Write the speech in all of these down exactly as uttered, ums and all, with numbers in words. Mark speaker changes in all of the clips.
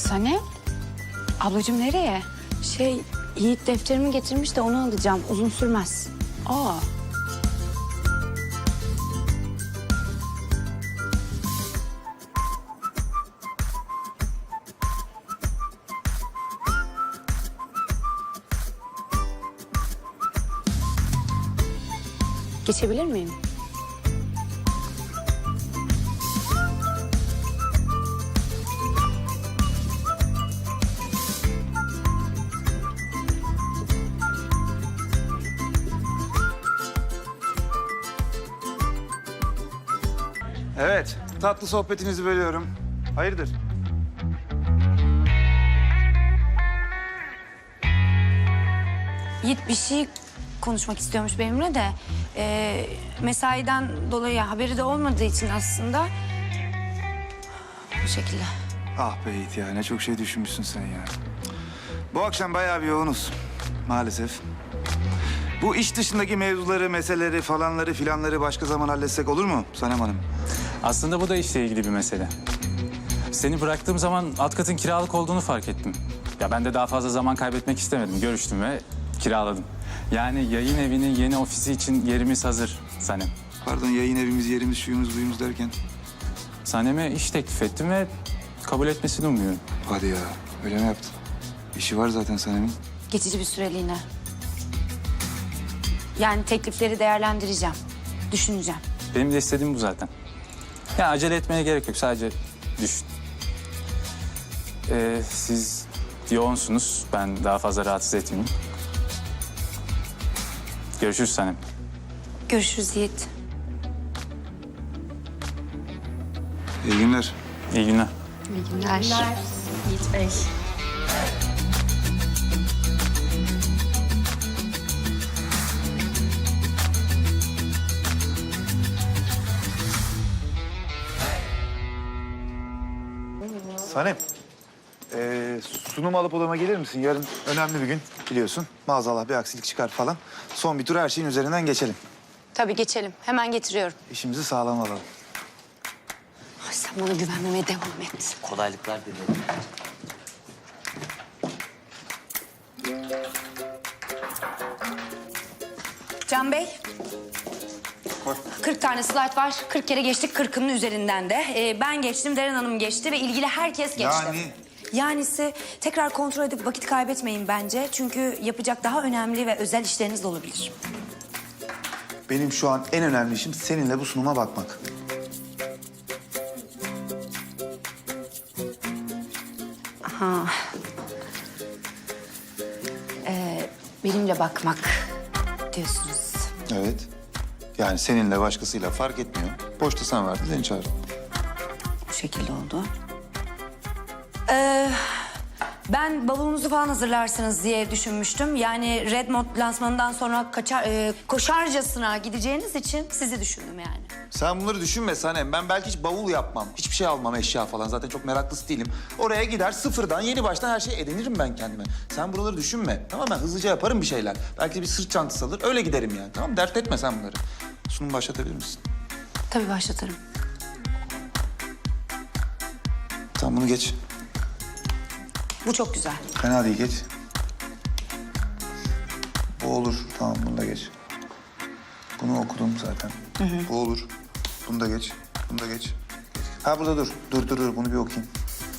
Speaker 1: Sanem? Ablacığım nereye?
Speaker 2: Şey, Yiğit defterimi getirmiş de onu alacağım. Uzun sürmez.
Speaker 1: Aa.
Speaker 2: Geçebilir miyim?
Speaker 3: Evet, tatlı sohbetinizi bölüyorum. Hayırdır?
Speaker 2: Yiğit bir şey konuşmak istiyormuş benimle de. Ee, mesaiden dolayı haberi de olmadığı için aslında... Bu şekilde.
Speaker 3: Ah be Yiğit ya, ne çok şey düşünmüşsün sen ya. Bu akşam bayağı bir yoğunuz, maalesef. Bu iş dışındaki mevzuları, meseleleri falanları filanları başka zaman halletsek olur mu Sanem Hanım?
Speaker 4: Aslında bu da işle ilgili bir mesele. Seni bıraktığım zaman alt katın kiralık olduğunu fark ettim. Ya ben de daha fazla zaman kaybetmek istemedim. Görüştüm ve kiraladım. Yani yayın evinin yeni ofisi için yerimiz hazır Sanem.
Speaker 3: Pardon, yayın evimiz, yerimiz, şuyumuz, buyumuz derken.
Speaker 4: Sanem'e iş teklif ettim ve kabul etmesini umuyorum.
Speaker 3: Hadi ya, öyle mi yaptın? İşi var zaten Sanem'in.
Speaker 2: Geçici bir süreliğine. Yani teklifleri değerlendireceğim. Düşüneceğim.
Speaker 4: Benim de istediğim bu zaten. Ya acele etmeye gerek yok. Sadece düşün. Ee, siz yoğunsunuz. Ben daha fazla rahatsız etmeyeyim. Görüşürüz Sanem.
Speaker 2: Görüşürüz Yiğit.
Speaker 3: İyi günler.
Speaker 4: İyi günler.
Speaker 1: İyi günler.
Speaker 5: Yiğit Bey.
Speaker 3: Sanem, ee, sunum alıp odama gelir misin? Yarın önemli bir gün biliyorsun. Maazallah bir aksilik çıkar falan. Son bir tur her şeyin üzerinden geçelim.
Speaker 2: Tabii geçelim. Hemen getiriyorum.
Speaker 3: İşimizi sağlam alalım.
Speaker 2: Ay, sen bana güvenmemeye devam et.
Speaker 6: Kolaylıklar dilerim.
Speaker 2: Can Bey. kırk tane slide var. kırk kere geçtik, kırkının üzerinden de. Ee, ben geçtim, Deren Hanım geçti ve ilgili herkes geçti.
Speaker 3: Yani?
Speaker 2: Yanisi tekrar kontrol edip vakit kaybetmeyin bence. Çünkü yapacak daha önemli ve özel işleriniz de olabilir.
Speaker 3: Benim şu an en önemli işim seninle bu sunuma bakmak.
Speaker 2: Ha. Ee, benimle bakmak diyorsunuz.
Speaker 3: Evet. Yani seninle başkasıyla fark etmiyor. Boşta sen vardın, seni çağırdım.
Speaker 2: Bu şekilde oldu. Ee, ben bavulunuzu falan hazırlarsınız diye düşünmüştüm. Yani Red Mod lansmanından sonra kaçar, e, koşarcasına gideceğiniz için sizi düşündüm yani.
Speaker 3: Sen bunları düşünme Sanem. Ben belki hiç bavul yapmam. Hiçbir şey almam, eşya falan. Zaten çok meraklısı değilim. Oraya gider sıfırdan, yeni baştan her şeyi edinirim ben kendime. Sen buraları düşünme. Tamam, ben hızlıca yaparım bir şeyler. Belki bir sırt çantası alır, öyle giderim yani. Tamam, dert etme sen bunları. Sunum başlatabilir misin?
Speaker 2: Tabii başlatırım.
Speaker 3: Tamam, bunu geç.
Speaker 2: Bu çok güzel.
Speaker 3: Fena değil, geç. Bu olur. Tamam, bunu da geç. Bunu okudum zaten. Hı hı. Bu olur. Bunu da geç. Bunu da geç. Ha, burada dur. Dur, dur, dur. Bunu bir okuyayım.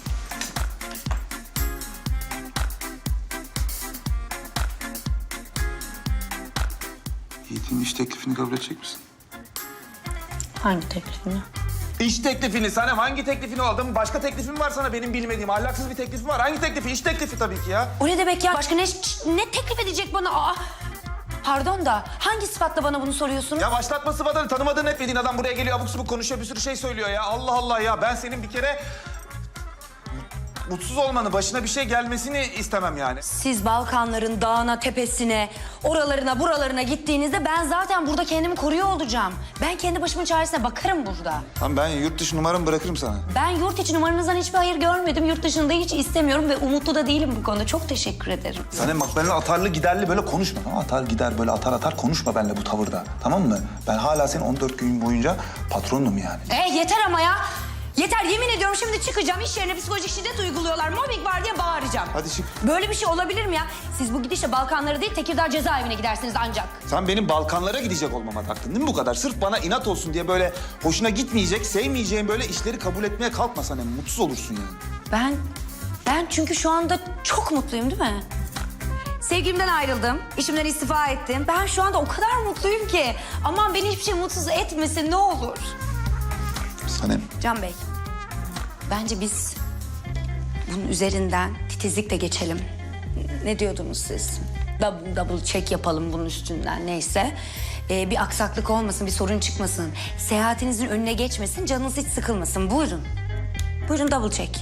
Speaker 3: Yiğit'in iş teklifini kabul edecek misin?
Speaker 2: Hangi teklifini?
Speaker 3: İş teklifini Sanem, hangi teklifini o adamın? Başka teklifim var sana benim bilmediğim. Ahlaksız bir teklifim var. Hangi teklifi? İş teklifi tabii ki ya.
Speaker 2: O ne demek ya? Başka ne, ne teklif edecek bana? Aa, pardon da hangi sıfatla bana bunu soruyorsunuz?
Speaker 3: Ya başlatma sıfatını, tanımadığın etmediğin adam buraya geliyor, abuk subuk konuşuyor, bir sürü şey söylüyor ya. Allah Allah ya, ben senin bir kere mutsuz olmanı, başına bir şey gelmesini istemem yani.
Speaker 2: Siz Balkanların dağına, tepesine, oralarına, buralarına gittiğinizde ben zaten burada kendimi koruyor olacağım. Ben kendi başımın çaresine bakarım burada.
Speaker 3: Tamam, ben yurt dışı numaramı bırakırım sana.
Speaker 2: Ben yurt içi numaranızdan hiçbir hayır görmedim. Yurt dışında hiç istemiyorum ve umutlu da değilim bu konuda. Çok teşekkür ederim.
Speaker 3: Sanem bak, benimle atarlı giderli böyle konuşma. Tamam, atar gider böyle atar atar konuşma benimle bu tavırda. Tamam mı? Ben hala senin on dört gün boyunca patronum yani.
Speaker 2: E yeter ama ya. Yeter, yemin ediyorum şimdi çıkacağım, iş yerine psikolojik şiddet uyguluyorlar, mobbing var diye bağıracağım.
Speaker 3: Hadi çık.
Speaker 2: Böyle bir şey olabilir mi ya? Siz bu gidişle Balkanlara değil, Tekirdağ cezaevine gidersiniz ancak.
Speaker 3: Sen benim Balkanlara gidecek olmama taktın değil mi bu kadar? Sırf bana inat olsun diye böyle hoşuna gitmeyecek, sevmeyeceğin böyle işleri kabul etmeye kalkma sen. Hem mutsuz olursun yani.
Speaker 2: Ben, ben çünkü şu anda çok mutluyum değil mi? Sevgilimden ayrıldım, işimden istifa ettim. Ben şu anda o kadar mutluyum ki. Aman beni hiçbir şey mutsuz etmesin ne olur.
Speaker 3: Sanem.
Speaker 2: Can Bey, bence biz bunun üzerinden titizlikle geçelim. Ne diyordunuz siz? Double, double check yapalım bunun üstünden neyse. Ee, bir aksaklık olmasın, bir sorun çıkmasın. Seyahatinizin önüne geçmesin, canınız hiç sıkılmasın. Buyurun. Buyurun double check.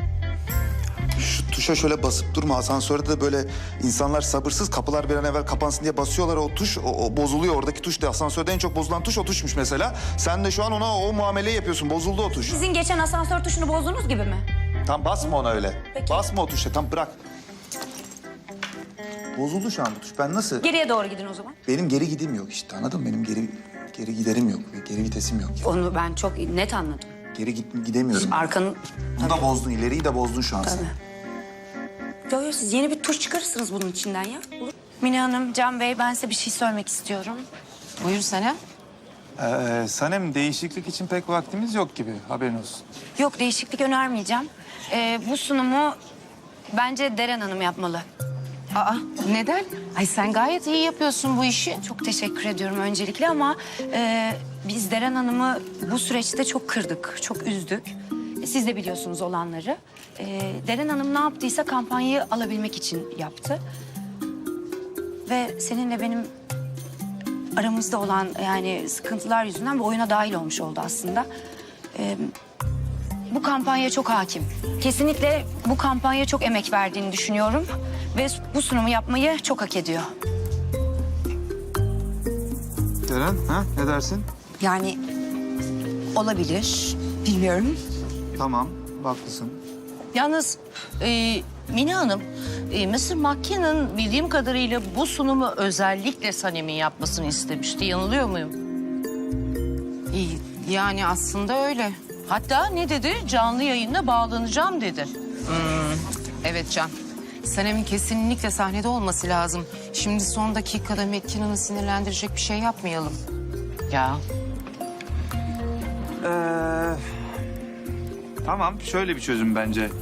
Speaker 3: Şu tuşa şöyle basıp durma. Asansörde de böyle insanlar sabırsız, kapılar bir an evvel kapansın diye basıyorlar o tuş. O, o bozuluyor oradaki tuş da. Asansörde en çok bozulan tuş o tuşmuş mesela. Sen de şu an ona o muameleyi yapıyorsun. Bozuldu o tuş.
Speaker 2: Sizin geçen asansör tuşunu bozdunuz gibi mi?
Speaker 3: Tam basma ona öyle.
Speaker 2: Peki.
Speaker 3: Basma o tuşa. Tam bırak. Bozuldu şu an bu tuş. Ben nasıl?
Speaker 2: Geriye doğru gidin o zaman.
Speaker 3: Benim geri gidim yok işte. Anladın mı? Benim geri geri giderim yok. Geri vitesim yok.
Speaker 2: Onu ben çok net anladım.
Speaker 3: Geri git, gidemiyorum.
Speaker 2: Arkanın...
Speaker 3: Bunu da bozdun. İleriyi de bozdun şu an sen.
Speaker 2: Tabii. Yo, yo, siz yeni bir tuş çıkarırsınız bunun içinden ya. Olur. Mine Hanım, Can Bey, ben size bir şey söylemek istiyorum.
Speaker 5: Buyur Sanem.
Speaker 4: Ee, Sanem, değişiklik için pek vaktimiz yok gibi. Haberin olsun.
Speaker 2: Yok, değişiklik önermeyeceğim. Ee, bu sunumu bence Deren Hanım yapmalı.
Speaker 5: Aa, neden? Ay sen gayet iyi yapıyorsun bu işi.
Speaker 2: Çok teşekkür ediyorum öncelikle ama e, biz Deren Hanım'ı bu süreçte çok kırdık, çok üzdük. E, Siz de biliyorsunuz olanları. E, Deren Hanım ne yaptıysa kampanyayı alabilmek için yaptı. Ve seninle benim aramızda olan yani sıkıntılar yüzünden bu oyuna dahil olmuş oldu aslında. E, bu kampanya çok hakim. Kesinlikle bu kampanya çok emek verdiğini düşünüyorum. Ve bu sunumu yapmayı çok hak ediyor.
Speaker 3: Deren, ha? Ne dersin?
Speaker 2: Yani olabilir, bilmiyorum.
Speaker 3: Tamam, haklısın.
Speaker 5: Yalnız e, Mine Hanım, e, Mısır Makia'nın bildiğim kadarıyla bu sunumu özellikle Sanem'in yapmasını istemişti. Yanılıyor muyum? İyi, yani aslında öyle. Hatta ne dedi? Canlı yayınla bağlanacağım dedi. Hmm, evet Can. Sanem'in kesinlikle sahnede olması lazım. Şimdi son dakikada Mekkina'nı sinirlendirecek bir şey yapmayalım. Ya.
Speaker 4: Ee, tamam, şöyle bir çözüm bence.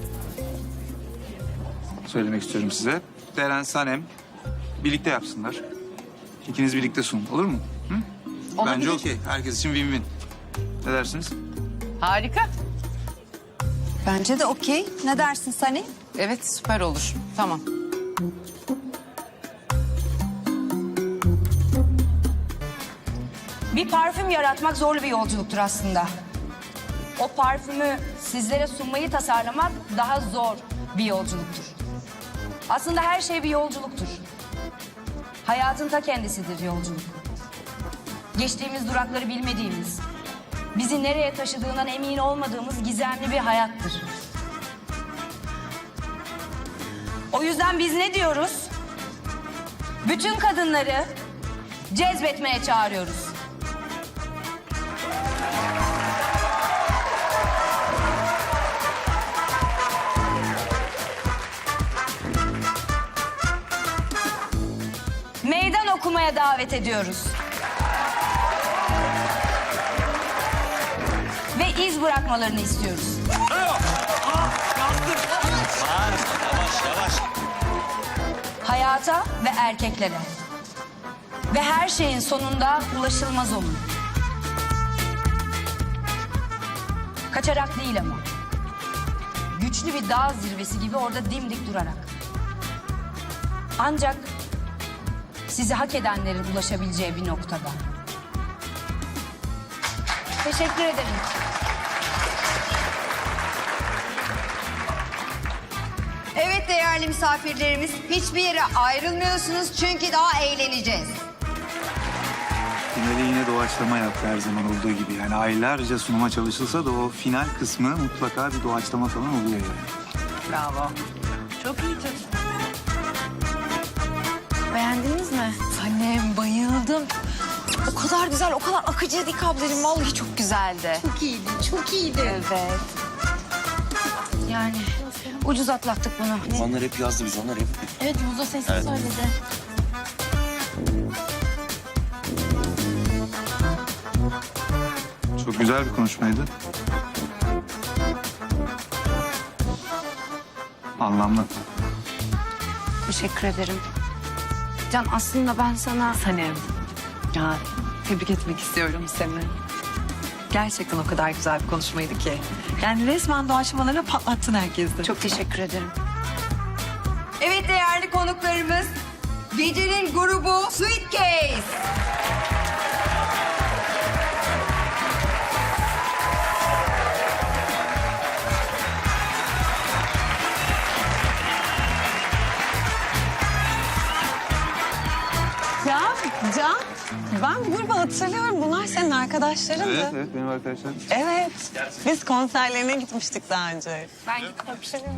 Speaker 4: Söylemek istiyorum size. Deren, Sanem birlikte yapsınlar. İkiniz birlikte sunun. Olur mu? Hı?
Speaker 5: Olabilir.
Speaker 4: Bence okey. Herkes için win-win. Ne dersiniz?
Speaker 5: Harika.
Speaker 1: Bence de okey. Ne dersin Sani?
Speaker 5: Evet, süper olur. Tamam.
Speaker 2: Bir parfüm yaratmak zorlu bir yolculuktur aslında. O parfümü sizlere sunmayı tasarlamak daha zor bir yolculuktur. Aslında her şey bir yolculuktur. Hayatın ta kendisidir yolculuk. Geçtiğimiz durakları bilmediğimiz, bizi nereye taşıdığından emin olmadığımız gizemli bir hayattır. O yüzden biz ne diyoruz? Bütün kadınları cezbetmeye çağırıyoruz. Meydan okumaya davet ediyoruz. Ve iz bırakmalarını istiyoruz. Hayata ve erkeklere. Ve her şeyin sonunda ulaşılmaz olun. Kaçarak değil ama. Güçlü bir dağ zirvesi gibi orada dimdik durarak. Ancak sizi hak edenlerin ulaşabileceği bir noktada. Teşekkür ederim.
Speaker 6: Evet değerli misafirlerimiz, hiçbir yere ayrılmıyorsunuz çünkü daha eğleneceğiz.
Speaker 7: Finali yine doğaçlama yaptı her zaman olduğu gibi. Yani aylarca sunuma çalışılsa da o final kısmı mutlaka bir doğaçlama falan oluyor yani.
Speaker 5: Bravo. Çok iyiydi.
Speaker 2: Beğendiniz mi?
Speaker 5: Annem bayıldım.
Speaker 1: O kadar güzel, o kadar akıcıydı ki ablacığım. Vallahi çok güzeldi.
Speaker 6: Çok iyiydi, çok iyiydi.
Speaker 1: Evet.
Speaker 2: Yani ucuz atlattık bunu.
Speaker 8: Onlar hep yazdı biz onlar hep.
Speaker 1: Evet, Muzo sesi söyledi.
Speaker 7: Çok güzel bir konuşmaydı. Anlamlı.
Speaker 2: Teşekkür ederim. Can aslında ben sana...
Speaker 9: Sanem, ya tebrik etmek istiyorum seni. Gerçekten o kadar güzel bir konuşmaydı ki. Yani resmen doğaçlamalarla patlattın herkesi.
Speaker 2: Çok teşekkür ederim.
Speaker 6: Evet değerli konuklarımız, gecenin grubu Suitcase.
Speaker 10: Ya Can, ben bu grubu hatırlıyorum. Bunlar senin arkadaşlarındı.
Speaker 7: Evet, evet benim arkadaşlarım.
Speaker 10: Evet. Biz konserlerine gitmiştik daha önce.
Speaker 2: Ben gittim.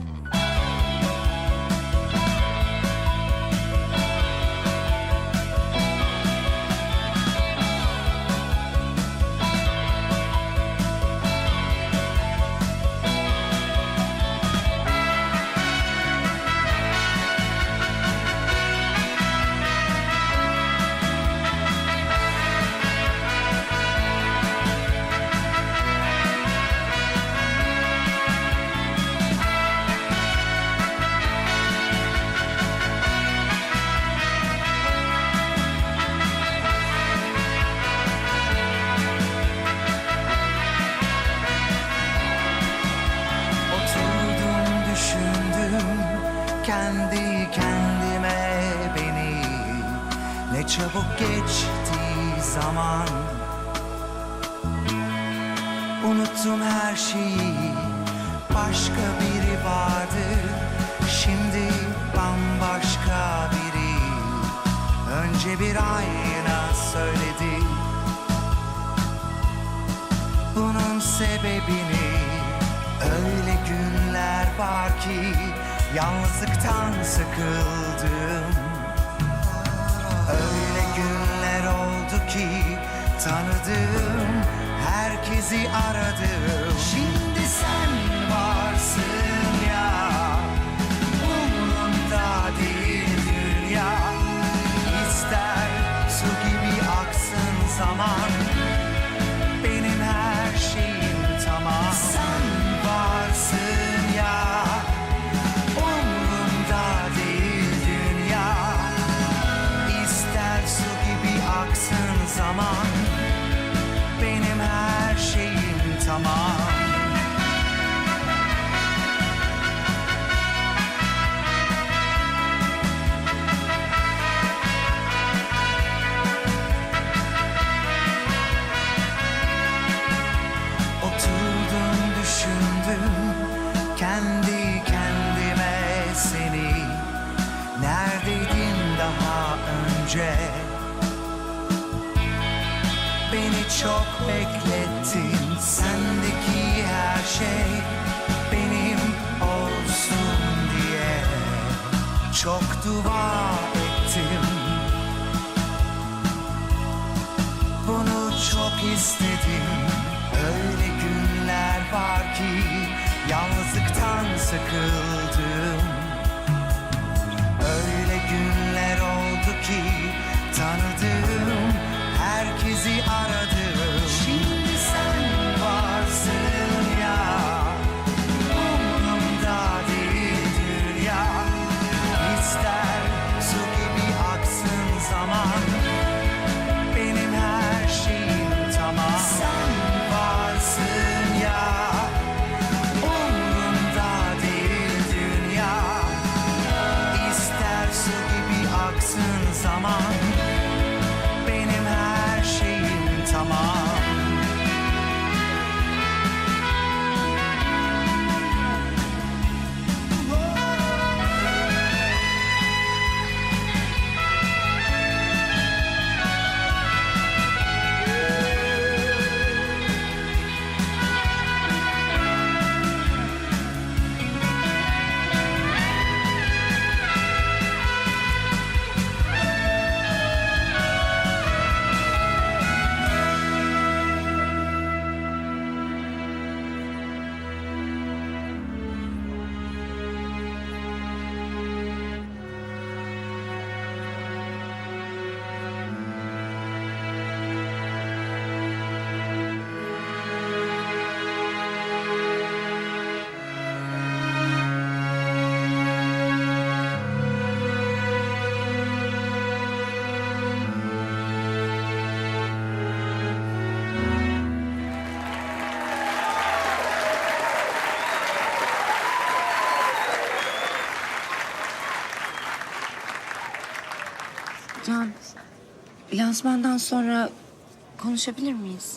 Speaker 11: Oturdum düşündüm kendi kendime beni. Ne çabuk geçti zaman. Unuttum her şeyi, başka biri vardı. Şimdi bambaşka biri. Önce bir ayna söyledi bunun sebebini. Öyle günler var ki yalnızlıktan sıkıldım. Öyle günler oldu ki tanıdım, herkesi aradım. Şimdi sen varsın ya, umurumda değil dünya. İster su gibi aksın zaman, benim her şeyim tamam. Sen varsın ya, umurumda değil dünya. İster su gibi aksın zaman, benim her şeyim tamam. Oturdum düşündüm kendi kendime seni. Neredeydin daha önce? Beni çok beklettin. Sendeki her şey benim olsun diye çok dua ettim. Bunu çok istedim. Öyle günler var ki yalnızlıktan sıkıldım. Öyle günler oldu ki tanıdım, herkesi aradım. Şimdi sen varsın ya, umurumda değil dünya. İster su gibi aksın zaman, benim her şeyim tamam. Sen varsın ya, umurumda değil
Speaker 2: lansmandan sonra konuşabilir miyiz?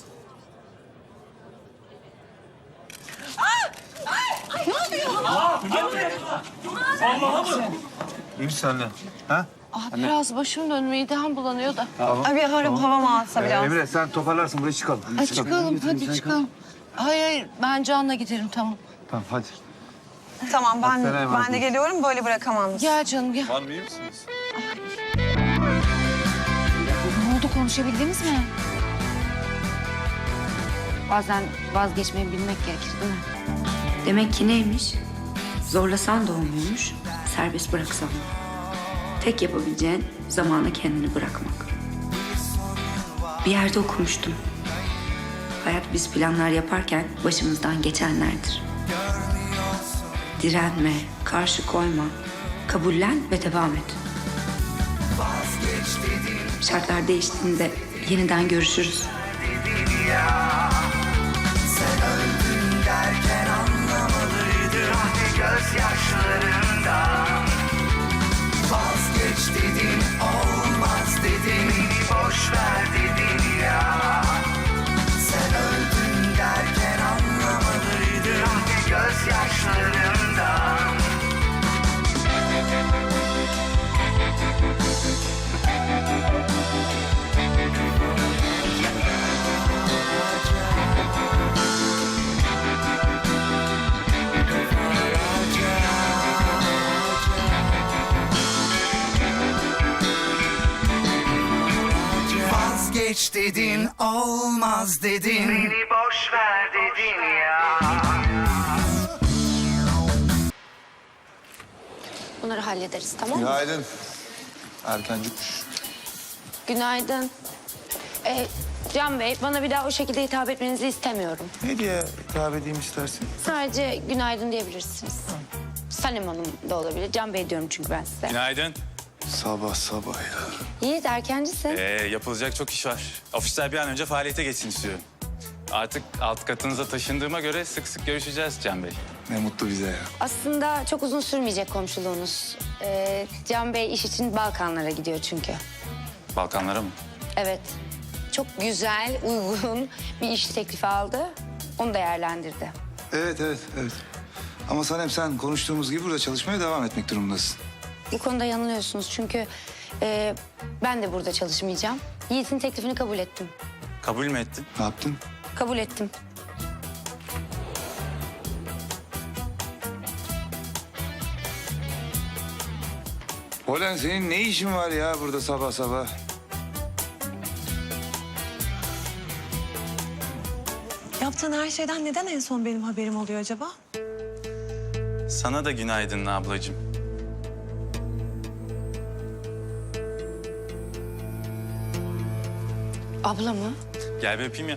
Speaker 7: İyi misin anne? Ha?
Speaker 5: Ah, biraz başım dönüyor, midem bulanıyor da.
Speaker 10: Ay bir hava, hava mı alsa
Speaker 7: Ee,
Speaker 10: biraz?
Speaker 7: Emre sen toparlarsın buraya çıkalım. Hadi
Speaker 5: Hadi çıkalım, hadi çıkalım. Hayır, hayır, ben Can'la giderim, tamam.
Speaker 7: Tamam hadi.
Speaker 10: Tamam ben,
Speaker 7: Hastaneye
Speaker 10: ben de
Speaker 7: vazgeç.
Speaker 10: geliyorum böyle bırakamam.
Speaker 5: Gel canım, gel.
Speaker 3: Var mı, iyi misiniz?
Speaker 2: Ne oldu, konuşabildiniz mi? Bazen vazgeçmeyi bilmek gerekir değil mi?
Speaker 8: Demek ki neymiş? Zorlasan da olmuyormuş, serbest bıraksan. Tek yapabileceğin zamana kendini bırakmak. Bir yerde okumuştum. Hayat biz planlar yaparken başımızdan geçenlerdir. Direnme, karşı koyma, kabullen ve devam et. Şartlar değiştiğinde yeniden görüşürüz.
Speaker 11: Sen öldün derken anlamalıydım gözyaşlarında. Vazgeç dedin, olmaz dedin, beni boş ver dedin ya. Sen öldün derken anlamalıydım gözyaşlarında. Vazgeç dedin, olmaz dedin, beni boş ver dedin ya.
Speaker 2: Bunları hallederiz, tamam mı?
Speaker 3: Günaydın. Erkencikmiş.
Speaker 2: Günaydın. Ee, Can Bey, bana bir daha o şekilde hitap etmenizi istemiyorum.
Speaker 3: Ne diye hitap edeyim istersin?
Speaker 2: Sadece günaydın diyebilirsiniz. Sanem Hanım da olabilir. Can Bey diyorum çünkü ben size.
Speaker 4: Günaydın.
Speaker 3: Sabah sabah ya.
Speaker 2: Yiğit, erkencisin.
Speaker 4: Ee, yapılacak çok iş var. Ofisler bir an önce faaliyete geçsin istiyorum. Artık alt katınıza taşındığıma göre sık sık görüşeceğiz Can Bey.
Speaker 3: Ne mutlu bize ya.
Speaker 2: Aslında çok uzun sürmeyecek komşuluğunuz. Ee, Can Bey iş için Balkanlara gidiyor çünkü.
Speaker 4: Balkanlara mı?
Speaker 2: Evet. Çok güzel, uygun bir iş teklifi aldı. Onu değerlendirdi.
Speaker 3: Evet evet evet. Ama Sanem sen konuştuğumuz gibi burada çalışmaya devam etmek durumundasın.
Speaker 2: Bu konuda yanılıyorsunuz çünkü e, ben de burada çalışmayacağım. Yiğit'in teklifini kabul ettim.
Speaker 4: Kabul mü ettin?
Speaker 3: Ne yaptın?
Speaker 2: Kabul ettim.
Speaker 3: Polen senin ne işin var ya burada sabah sabah?
Speaker 10: Yaptığın her şeyden neden en son benim haberim oluyor acaba?
Speaker 4: Sana da günaydın ablacığım.
Speaker 2: Abla mı?
Speaker 4: Gel bir öpeyim ya.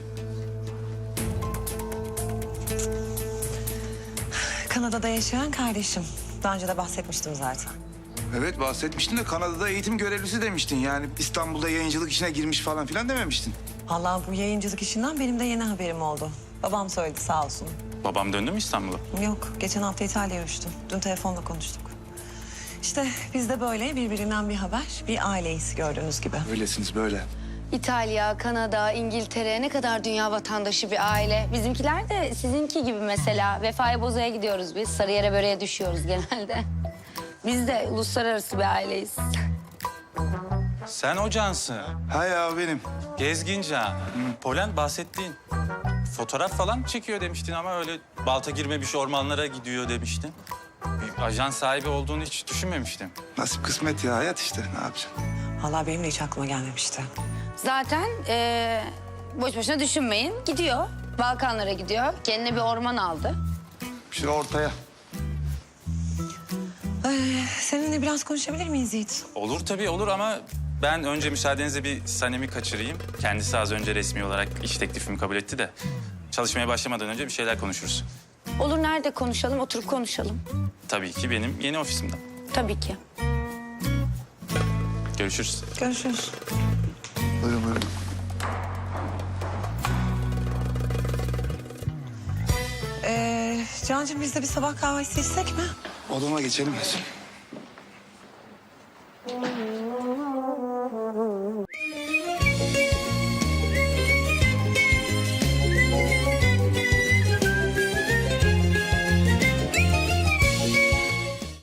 Speaker 10: Kanada'da yaşayan kardeşim. Daha önce de bahsetmiştim zaten.
Speaker 3: Evet bahsetmiştin de Kanada'da eğitim görevlisi demiştin. Yani İstanbul'da yayıncılık işine girmiş falan filan dememiştin.
Speaker 10: Vallahi bu yayıncılık işinden benim de yeni haberim oldu. Babam söyledi sağ olsun.
Speaker 4: Babam döndü mü İstanbul'a?
Speaker 10: Yok, geçen hafta İtalya'ya uçtum. Dün telefonla konuştuk. İşte biz de böyle birbirinden bir haber, bir aileyiz gördüğünüz gibi.
Speaker 3: Öylesiniz böyle.
Speaker 2: İtalya, Kanada, İngiltere ne kadar dünya vatandaşı bir aile. Bizimkiler de sizinki gibi mesela. Vefaya Boza'ya gidiyoruz biz. Sarıyer'e böreğe düşüyoruz genelde. Biz de uluslararası bir aileyiz.
Speaker 4: Sen o Cansın.
Speaker 3: Ha ya benim.
Speaker 4: Gezgin Can. Polen bahsettiğin. Fotoğraf falan çekiyor demiştin ama öyle balta girmemiş ormanlara gidiyor demiştin. Bir ajan sahibi olduğunu hiç düşünmemiştim.
Speaker 3: Nasip kısmet ya hayat işte ne yapacaksın?
Speaker 10: Vallahi benim de hiç aklıma gelmemişti.
Speaker 2: Zaten eee, boş boşuna düşünmeyin. Gidiyor. Balkanlara gidiyor. Kendine bir orman aldı.
Speaker 3: Şuraya ortaya.
Speaker 10: Ee, seninle biraz konuşabilir miyiz Yiğit?
Speaker 4: Olur tabii olur ama ben önce müsaadenizle bir Sanem'i kaçırayım. Kendisi az önce resmi olarak iş teklifimi kabul etti de çalışmaya başlamadan önce bir şeyler konuşuruz.
Speaker 2: Olur, nerede konuşalım? Oturup konuşalım.
Speaker 4: Tabii ki benim yeni ofisimde.
Speaker 2: Tabii ki.
Speaker 4: Görüşürüz.
Speaker 10: Görüşürüz.
Speaker 3: Buyurun buyurun.
Speaker 10: Ee, Cancığım biz de bir sabah kahvesi içsek mi?
Speaker 3: Odama geçelim.